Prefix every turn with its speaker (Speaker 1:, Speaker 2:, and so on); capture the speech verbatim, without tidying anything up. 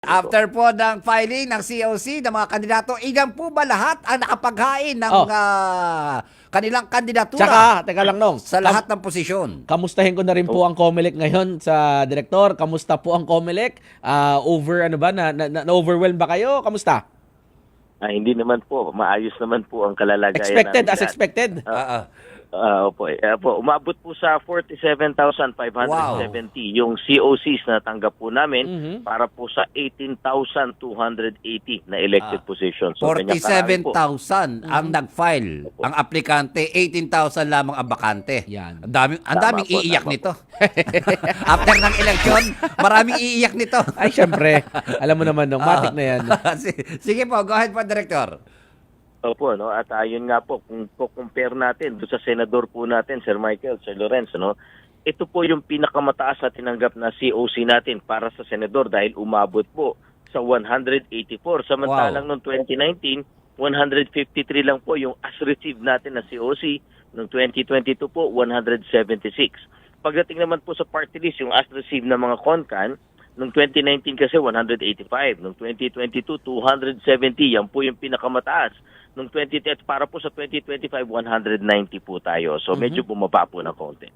Speaker 1: After po ng filing ng C O C ng mga kandidato, ilan po ba lahat ang nakapaghain ng
Speaker 2: Oh.
Speaker 1: ah, kanilang kandidatura
Speaker 2: Tsaka, teka lang nong,
Speaker 1: sa lahat ng posisyon?
Speaker 2: kamustahin ko na rin po ang COMELEC ngayon sa direktor. Kamusta po ang COMELEC? Ah, over ano ba na, na, na overwhelm ba kayo? Kamusta?
Speaker 3: Ah, hindi naman po. Maayos naman po ang kalalagayan
Speaker 2: Expected
Speaker 3: namin
Speaker 2: as
Speaker 3: lahat.
Speaker 2: expected.
Speaker 1: Ah, ah.
Speaker 3: Ah, opo, eh, po. Umabot po sa forty-seven thousand five hundred seventy yung C O Cs na tanggap po namin
Speaker 2: Mhm.
Speaker 3: para po sa eighteen thousand two hundred eighty na elected
Speaker 1: Ah,
Speaker 3: positions. So, ganyan karami
Speaker 1: forty-seven
Speaker 3: po.
Speaker 1: thousand ang nag-file. Ang aplikante, eighteen thousand lamang ang bakante.
Speaker 2: Yan.
Speaker 1: Ang daming, ang
Speaker 3: Tama
Speaker 1: daming
Speaker 3: po,
Speaker 1: iiyak
Speaker 3: tama
Speaker 1: nito. After ng eleksyon, maraming iiyak nito.
Speaker 2: Ay, syempre. Alam mo naman, nung matik na yan.
Speaker 1: Sige po, go ahead po, Director.
Speaker 3: Opo, no? At ayun nga po, kung compare natin doon sa senador po natin, Sir Michael, Sir Lorenzo, no? Ito po yung pinakamataas na tinanggap na C O C natin para sa senador dahil umabot po sa one hundred eighty-four. Samantalang noong twenty nineteen, one hundred fifty-three lang po yung as received natin na C O C. Noong twenty twenty-two po, one hundred seventy-six. Pagdating naman po sa party list, yung as received na mga CONCAN, noong twenty nineteen kasi one hundred eighty-five. Noong twenty twenty-two, two hundred seventy. Yan po yung pinakamataas. Noong twenty ten, para po sa twenty twenty-five, one hundred ninety po tayo. So medyo bumaba po ng konti.